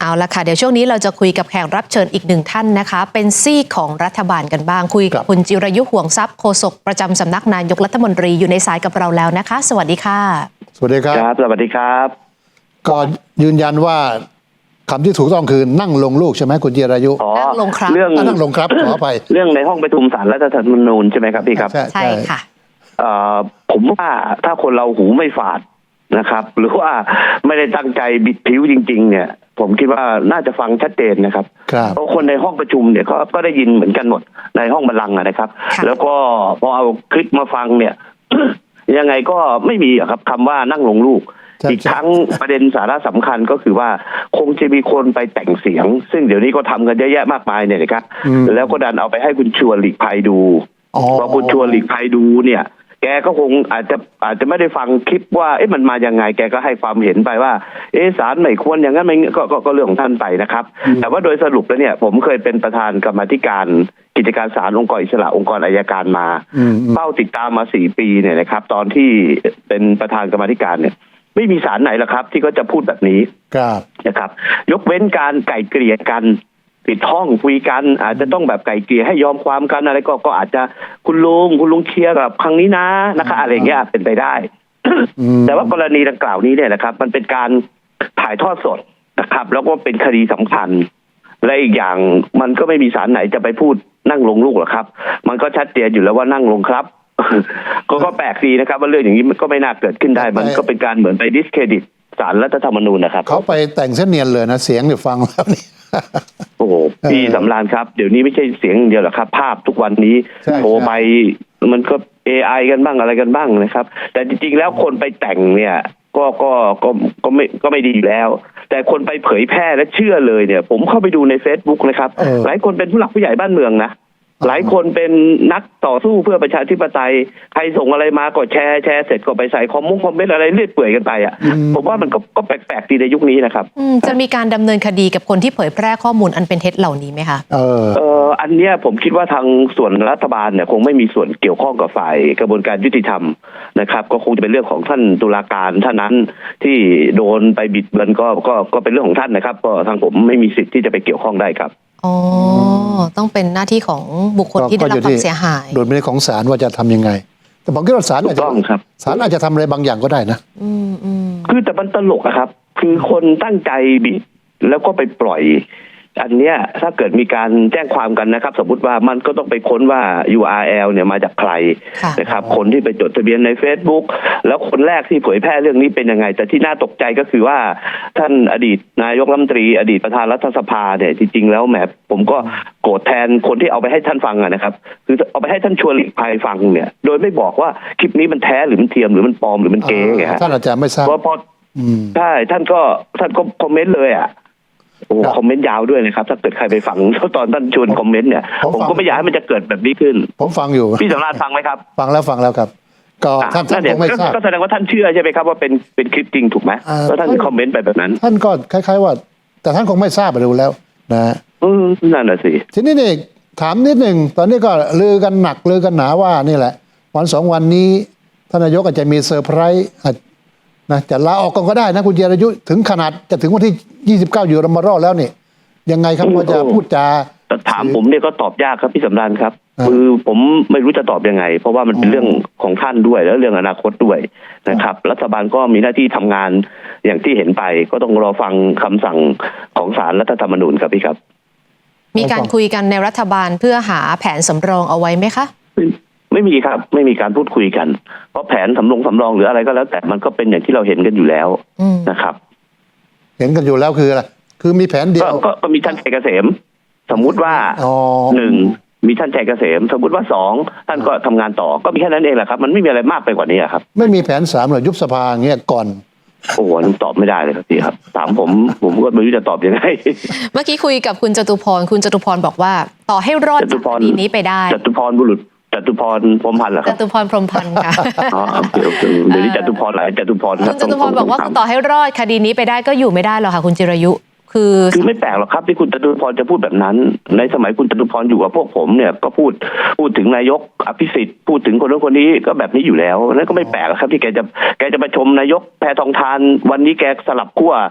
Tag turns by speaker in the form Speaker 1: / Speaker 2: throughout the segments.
Speaker 1: เอาละค่ะเดี๋ยวช่วงนี้เราจะคุยกับแขกรับเชิญอีกหนึ่งท่านนะคะเป็นซีกของรัฐบาลกันบ้างคุยกับคุณจิรายุห่วงทรัพย์โฆษกประจำสำนักนายกรัฐมนตรีอยู่ในสายกับเราแล้วนะคะสวัสดีค่ะ
Speaker 2: สวัสดีครับ
Speaker 3: สวัสดีครับ
Speaker 2: ก็ยืนยันว่าคำที่ถูกต้องคือนั่งลงลูกใช่ไหมคุณจิรายุ
Speaker 1: นั่งลงครับ
Speaker 3: เรื่อง
Speaker 2: นั่งลงครับขออภัย
Speaker 3: เรื่องในห้องประชุมศาลรัฐธรรมนูญใช่ไหมครับพี่ครับ
Speaker 1: ใช่ค่ะ
Speaker 3: ผมว่าถ้าคนเราหูไม่ฝาดนะครับหรือว่าไม่ได้ตั้งใจบิดผิวจริงๆเนี่ยผมคิดว่าน่าจะฟังชัดเจนนะครับเพราะคนในห้องประชุมเนี่ยก็ได้ยินเหมือนกันหมดในห้องบัลลังก์นะครับแล้วก็พอเอาคลิปมาฟังเนี่ย ยังไงก็ไม่มีครับคำว่านั่งลงลูกอีกทั้งประเด็นสาระสำคัญก็คือว่าคงจะมีคนไปแต่งเสียงซึ่งเดี๋ยวนี้ก็ทำกันเยอะแยะมากมายเนี่ยนะครับแล้วก็ดันเอาไปให้คุณชวนหลีกภัยดูพอคุณชวนหลีกภัยดูเนี่ยแกก็คงอาจจะไม่ได้ฟังคลิปว่ามันมายังไงแกก็ให้ความเห็นไปว่าศาลไม่ควรอย่างนั้นไม่ก็เรื่องของท่านไปนะครับแต่ว่าโดยสรุปแล้วเนี่ยผมเคยเป็นประธานกรรมาธิการกิจการศาลองค์กรอิสระองค์กรอัยการมาเฝ้าติดตามมา4 ปีเนี่ยนะครับตอนที่เป็นประธานกรรมาธิการเนี่ยไม่มีศาลไหนหรอกครับที่เขาจะพูดแบบนี้นะครับยกเว้นการไก่เกลี่ยกันปิดห้องคุยกันอาจจะต้องแบบไก่เกลี่ยให้ยอมความกันอะไรก็อาจจะคุณลุงเคลียร์กับครั้งนี้นะคะอะไรเงี้ยเป็นไปได้แต่ว่ากรณีดังกล่าวนี้เนี่ยนะครับมันเป็นการถ่ายทอดสดนะครับแล้วก็เป็นคดีสำคัญและอีกอย่างมันก็ไม่มีศาลไหนจะไปพูดนั่งลงลูกหรอกครับมันก็ชัดเจนอยู่แล้วว่านั่งลงครับก็แปลกดีนะครับว่าเรื่องอย่างนี้มันก็ไม่น่าเกิดขึ้นได้มันก็เป็นการเหมือนไปดิสเครดิตศาลรัฐธรรมนูญนะครับ
Speaker 2: เขาไปแต่งเส้นเนียนเลยนะเสียงเนี่ยฟังแล้วนี่
Speaker 3: โอ้โหพี่สำราญครับเดี๋ยวนี้ไม่ใช่เสียงเดียวหรอกครับภาพทุกวันนี้โทรไปมันก็ AI กันบ้างอะไรกันบ้างนะครับแต่จริงๆแล้วคนไปแต่งเนี่ยก็ไม่ดีแล้วแต่คนไปเผยแพร่และเชื่อเลยเนี่ยผมเข้าไปดูใน Facebook นะครับหลายคนเป็นผู้หลักผู้ใหญ่บ้านเมืองนะหลายคนเป็นนักต่อสู้เพื่อประชาธิปไตยใครส่งอะไรมาก็แชร์เสร็จก็ไปใส่คอมเมนต์อะไรเรื่อยเปื่อยกันไปผมว่ามันก็แปลกๆดีในยุคนี้นะครับ
Speaker 1: จะมีการดำเนินคดีกับคนที่เผยแพร่ข้อมูลอันเป็นเท็จเหล่านี้ไหมคะ
Speaker 3: อันเนี้ยผมคิดว่าทางส่วนรัฐบาลเนี่ยคงไม่มีส่วนเกี่ยวข้องกับฝ่ายกระบวนการยุติธรรมนะครับก็คงจะเป็นเรื่องของท่านตุลาการท่านนั้นที่โดนไปบิดเบือนก็เป็นเรื่องของท่านนะครับก็ทางผมไม่มีสิทธิ์ที่จะไปเกี่ยวข้องได้ครับ
Speaker 1: อ๋อต้องเป็นหน้าที่ของบุคคลที่ได้รับความเสียหาย
Speaker 2: โดยไม่ได้ของศาลว่าจะทำยังไงแต่ผมคิดว่าศาลอาจจะทำอะไรบางอย่างก็ได้นะ
Speaker 3: คือแต่มันตลกอะครับคือคนตั้งใจบิดแล้วก็ไปปล่อยอันเนี้ยถ้าเกิดมีการแจ้งความกันนะครับสมมติว่ามันก็ต้องไปค้นว่า URL เนี่ยมาจากใครนะครับคนที่ไปจดทะเบียนใน Facebook แล้วคนแรกที่เผยแพร่เรื่องนี้เป็นยังไงแต่ที่น่าตกใจก็คือว่าท่านอดีตนายกรัฐมนตรีอดีตประธานรัฐสภาเนี่ยจริงๆแล้วแหมผมก็โกรธแทนคนที่เอาไปให้ท่านฟังนะครับคือเอาไปให้ท่านชวนหลีกภัยฟังเนี่ยโดยไม่บอกว่าคลิปนี้มันแท้หรือมันเทียมหรือมันปลอมหรือมันเก๊ไงฮะ
Speaker 2: ท่านอาจารย์ไม่ทราบ
Speaker 3: เพราะใช่ท่านก็คอมเมนต์เลยโอ้คอมเมนต์ยาวด้วยนะครับถ้าเกิดใครไปฟังตอนท่านชวนคอมเมนต์เนี่ยผมก็ไม่อยากให้มันจะเกิดแบบนี้ขึ้น
Speaker 2: ผมฟังอยู่
Speaker 3: พี่สำราญฟังไหมครับ
Speaker 2: ฟังแล้วครับก็ท่านคงไม่ทราบ
Speaker 3: ก็แสดงว่าท่านเชื่อใช่ไหมครับว่าเป็นคลิปจริงถูกไหมแล้วท่านคอมเมนต์ไปแบบนั้น
Speaker 2: ท่านก็คล้ายๆว่าแต่ท่านคงไม่ทราบไปดูแล้วนะ
Speaker 3: นั่นแหละสิ
Speaker 2: ทีนี้นี่ถามนิดหนึ่งตอนนี้ก็ลือกันหนักลือกันหนาว่านี่แหละวัน2 วันนี้ท่านนายกอาจจะมีเซอร์ไพรส์นะจะลาออกก็ได้นะคุณจิรายุถึงขนาดจะถึงวันที่29อยู่รมรอแล้วนี่ยังไงครับว่าจะพูดจา
Speaker 3: ถามผมเนี่ยก็ตอบยากครับพี่สำราญครับคือผมไม่รู้จะตอบยังไงเพราะว่ามันเป็นเรื่องของท่านด้วยแล้วเรื่องอนาคตด้วยนะครับรัฐบาลก็มีหน้าที่ทำงานอย่างที่เห็นไปก็ต้องรอฟังคำสั่งของศาลรัฐธรรมนูญครับพี่ครับ
Speaker 1: มีการคุยกันในรัฐบาลเพื่อหาแผนสำรองเอาไว้ไหมคะ
Speaker 3: ไม่มีครับไม่มีการพูดคุยกันเพราะแผนสำรองหรืออะไรก็แล้วแต่มันก็เป็นอย่างที่เราเห็นกันอยู่แล้วนะครับ
Speaker 2: เห็นกันอยู่แล้วคืออะไรคือมีแผนเดียว
Speaker 3: ก็มีท่านชัยเกษมสมมุติว่า1มีท่านชัยเกษมสมมุติว่า2ท่านก็ทำงานต่อก็มีแค่นั้นเองแหละครับมันไม่มีอะไรมากไปกว่านี้ครับ
Speaker 2: ไม่มีแผน3หรือยุบสภาเงี้ยก่อน
Speaker 3: โอ้โหตอบไม่ได้เลยครับพี่ครับถามผมก็ไม่รู้จะตอบยังไง
Speaker 1: เมื่อกี้คุยกับคุณจตุพรคุณจตุพรบอกว่าต่อให้รอดจากคดีนี้ไปได้
Speaker 3: จตุพรบุรุษจตุพรพรหมพันธ์เหรอครับ
Speaker 1: จตุพรพรหมพันธ์ค่ะ
Speaker 3: เดี๋ยวนี้จตุพรหลายจตุพร
Speaker 1: คุณจตุพรบอกว่าต่อให้รอดคดีนี้ไปได้ก็อยู่ไม่ได้หรอกค่ะคุณจิรายุคือ
Speaker 3: ไม่แปลกหรอกครับที่คุณจตุพรจะพูดแบบนั้นในสมัยคุณจตุพรอยู่กับพวกผมเนี่ยก็พูดถึงนายกอภิสิทธิ์พูดถึงคนนู้นคนนี้ก็แบบนี้อยู่แล้วนั่นก็ไม่แปลกครับที่แกจะมาชมนายกแพทองธารวันนี้แกสลับขั้ว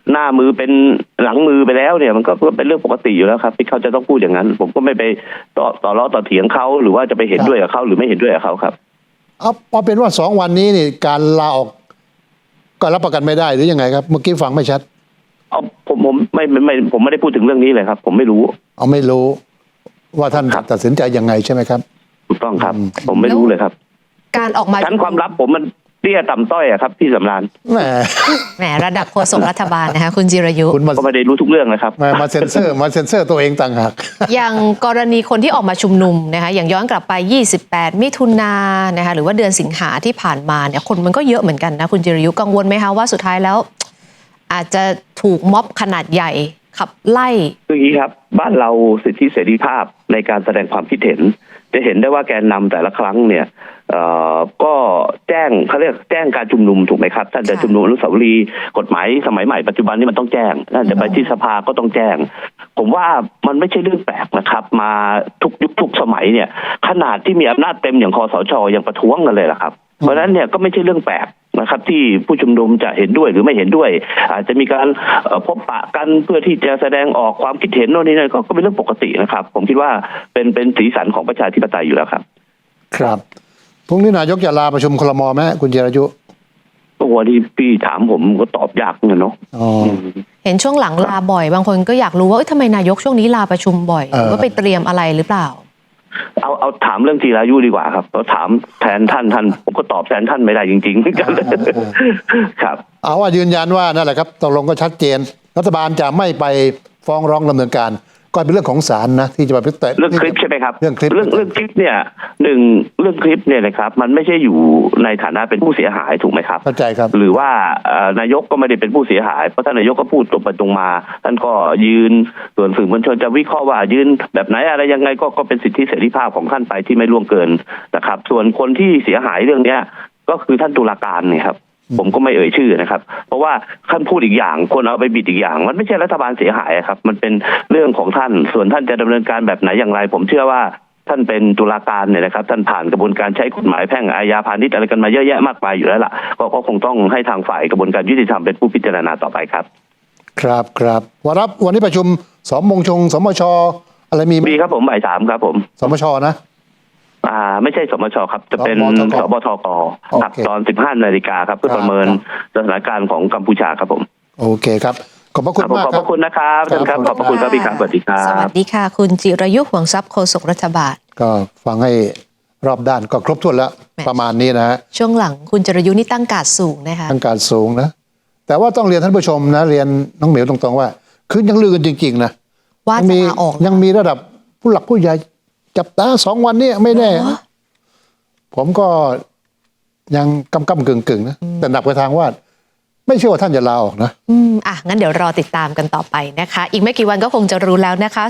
Speaker 3: หน้ามือเป็นหลังมือไปแล้วเนี่ยมันก็เป็นเรื่องปกติอยู่แล้วครับที่เขาจะต้องพูดอย่างนั้น ผมก็ไม่ไปต่อล้อต่อเถียงเขาหรือว่าจะไปเห็นด้วยกับเขาหรือไม่เห็นด้วยกับเขาครับ
Speaker 2: เอาเป็นว่า2 วันนี้นี่การลาออกก็รับประกันไม่ได้หรือยังไงครับเมื่อกี้ฟังไม่ชัด
Speaker 3: เอาผมไม่ได้พูดถึงเรื่องนี้เลยครับ ผมไม่รู้
Speaker 2: เอาไม่รู้ว่าท่านตัดสินใจยังไงใช่ไหมครับ
Speaker 3: ถูกต้องครับ ผมไม่รู้เลยครับ
Speaker 1: การออกมา
Speaker 3: ชั้นความลับผมมันเตี้ยต่ำต้อยอะครับพี่สำราญ
Speaker 2: แ
Speaker 1: หมระดับโฆษกรัฐบาลนะคะคุณจิรายุ
Speaker 2: คุณ
Speaker 3: ก็ไม่ได้รู้ทุกเรื่องนะครับ
Speaker 2: มาเซ็นเซอร์ตัวเองต่างหาก
Speaker 1: อย่างกรณีคนที่ออกมาชุมนุมนะคะอย่างย้อนกลับไป28มิถุนายนนะคะหรือว่าเดือนสิงหาที่ผ่านมาเนี่ยคนมันก็เยอะเหมือนกันนะคุณจิรายุกังวลไหมคะว่าสุดท้ายแล้วอาจจะถูกม็อบขนาดใหญ่ขับไล่
Speaker 3: คืออย่างนี้ครับบ้านเราสิทธิเสรีภาพในการแสดงความคิดเห็นจะเห็นได้ว่าแกนนำแต่ละครั้งเนี่ยก็แจ้งเขาเรียกแจ้งการชุมนุมถูกไหมครับท่านจะชุมนุมอนุสาวรีย์กฎหมายสมัยใหม่ปัจจุบันนี้มันต้องแจ้งท่านจะไปที่สภาก็ต้องแจ้งผมว่ามันไม่ใช่เรื่องแปลกนะครับมาทุกยุคทุกสมัยเนี่ยขนาดที่มีอำนาจเต็มอย่างคสช.ยังประท้วงกันเลยล่ะครับเพราะฉะนั้นเนี่ยก็ไม่ใช่เรื่องแปลกนะครับที่ผู้ชุมนุมจะเห็นด้วยหรือไม่เห็นด้วยอาจจะมีการพบปะกันเพื่อที่จะแสดงออกความคิดเห็นโน่นนี่นั่นก็เป็นเรื่องปกตินะครับผมคิดว่าเป็นสีสันของประชาธิปไตยอยู่แล้วครับ
Speaker 2: ครับพรุ่งนี้นายกจะลาประชุมครม.ไหมคุณจิรายุ
Speaker 3: วันที่พี่ถามผมก็ตอบยากเนอะ
Speaker 1: เห็นช่วงหลังลาบ่อยบางคนก็อยากรู้ว่าทำไมนายกช่วงนี้ลาประชุมบ่อยว่าไปเตรียมอะไรหรือเปล่า
Speaker 3: เอาถามเรื่องจิรายุดีกว่าครับเราถามแทนท่านผมก็ตอบแทนท่านไม่ได้จริงๆครับ
Speaker 2: เอาว่ายืนยันว่านั่นแหละครับตกลงก็ชัดเจนรัฐบาลจะไม่ไปฟ้องร้องดำเนินการก็เป็นเรื่องของศาลนะที่จะมาพิจารณา
Speaker 3: เรื่องคลิปใช่ไหมครับ
Speaker 2: เรื่องคลิป
Speaker 3: เนี่ยเรื่องคลิปเนี่ยนะครับมันไม่ใช่อยู่ในฐานะเป็นผู้เสียหายถูกไหมครับ
Speaker 2: เข้าใจครับ
Speaker 3: หรือว่านายกก็ไม่ได้เป็นผู้เสียหายเพราะท่านนายกก็พูดตรงไปตรงมาท่านก็ยืนส่วนสื่อมวลชนจะวิเคราะห์ว่ายืนแบบไหนอะไรยังไงก็เป็นสิทธิเสรีภาพของท่านไปที่ไม่ล่วงเกินนะครับส่วนคนที่เสียหายเรื่องเนี้ยก็คือท่านตุลาการเนี่ยครับผมก็ไม่เอ่ยชื่อนะครับเพราะว่าท่านพูดอีกอย่างคนเอาไปบิดอีกอย่างมันไม่ใช่รัฐบาลเสียหายครับมันเป็นเรื่องของท่านส่วนท่านจะดำเนินการแบบไหนอย่างไรผมเชื่อว่าท่านเป็นตุลาการเนี่ยนะครับท่านผ่านกระบวนการใช้กฎหมายแพ่งอาญาพาณิชย์อะไรกันมาเยอะแยะมากมายอยู่แล้วล่ะก็คงต้องให้ทางฝ่ายกระบวนการยุติธรรมเป็นผู้พิจารณาต่อไปครับ
Speaker 2: ครับวันนี้ประชุมสมมชอะไรมี
Speaker 3: ครับผมบ่าย 3ครับผม
Speaker 2: สมชนะ
Speaker 3: ไม่ใช่สมชครับจะเป็นสบทกครับตอน 15 นาฬิกาครับเพื่อประเมินสถานการณ์ของกัมพูชาครับผม
Speaker 2: โอเคครับขอบพระคุณมาก
Speaker 3: ขอบพระคุณนะครับท่านครับขอบพระคุณครับพี่ครับสวัสดีครับ
Speaker 1: สวัสดีค่ะคุณจิรายุห่วงทรัพย์โฆษกรัฐบาล
Speaker 2: ก็ฟังให้รอบด้านก็ครบถ้วนแล้วประมาณนี้นะฮะ
Speaker 1: ช่วงหลังคุณจิรายุนี่ตั้งการสูงนะคะ
Speaker 2: ตั้งการสูงนะแต่ว่าต้องเรียนท่านผู้ชมนะเรียนน้องเหมียวตรงๆว่าคือยังลือกันจริงๆนะ
Speaker 1: ว่าจะลาออก
Speaker 2: ยังมีระดับผู้หลักผู้ใหญ่จับตา2 วันนี้ไม่แน่ผมก็ยังกำกึ่งนะแต่หนักไปทางว่าไม่เชื่อว่าท่านจะลาออกนะ
Speaker 1: งั้นเดี๋ยวรอติดตามกันต่อไปนะคะอีกไม่กี่วันก็คงจะรู้แล้วนะคะ